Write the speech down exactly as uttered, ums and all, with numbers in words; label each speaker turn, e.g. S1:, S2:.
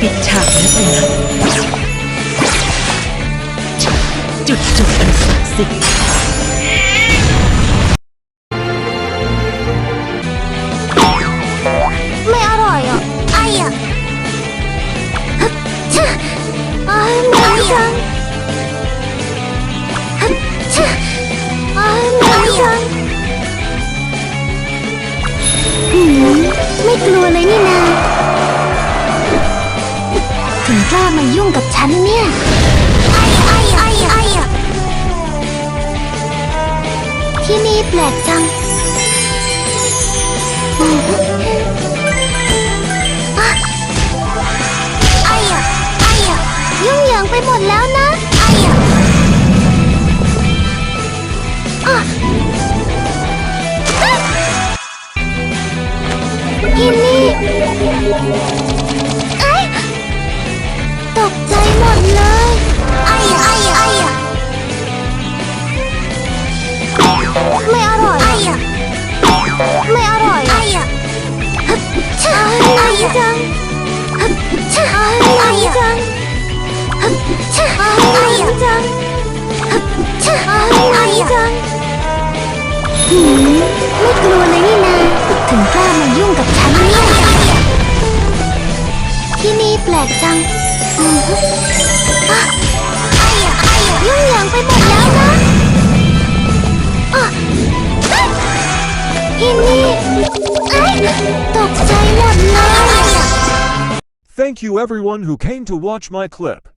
S1: ปิดฉากนี้ไปนะจุดจบอันศักดิ์สิทธิ์
S2: ไม่อร่อยอ่ะไอ้อ่ะชะอ้ายเหม็นจังชะอ้ายเหม็นจังหืมไม่กลัวเลยนี่นาถึงกล้ามายุ่งกับฉันเนี่ยไอ้ไอ้ไอ้ไอ้อะที่นี่แปลกจังไอ้อะไอ้อะยุ่งเหยิงไปหมดแล้วนะไอ้อะอ่ะที่นี่ไอ้ตกใจหมดเลยไอ้อะไอ้อะไอ้อะไม่อร่อยไอ้อะไม่อร่อยไอ้อะใช่ไอ้จังใช่ไอ้จังใช่ไอ้จังใช่ไอ้จังหืมไม่กลัวเลยนี่นาถึงกล้ามายุ่งกับฉันเนี่ยที่นี่แปลกจังอืออ่ะไอ้อะไอ้อะยุ่งเหยิงไปหมดแล้วนะอ่ะที่นี่ไอ้ตกใจหมดเลย
S3: Thank you everyone who came to watch my clip.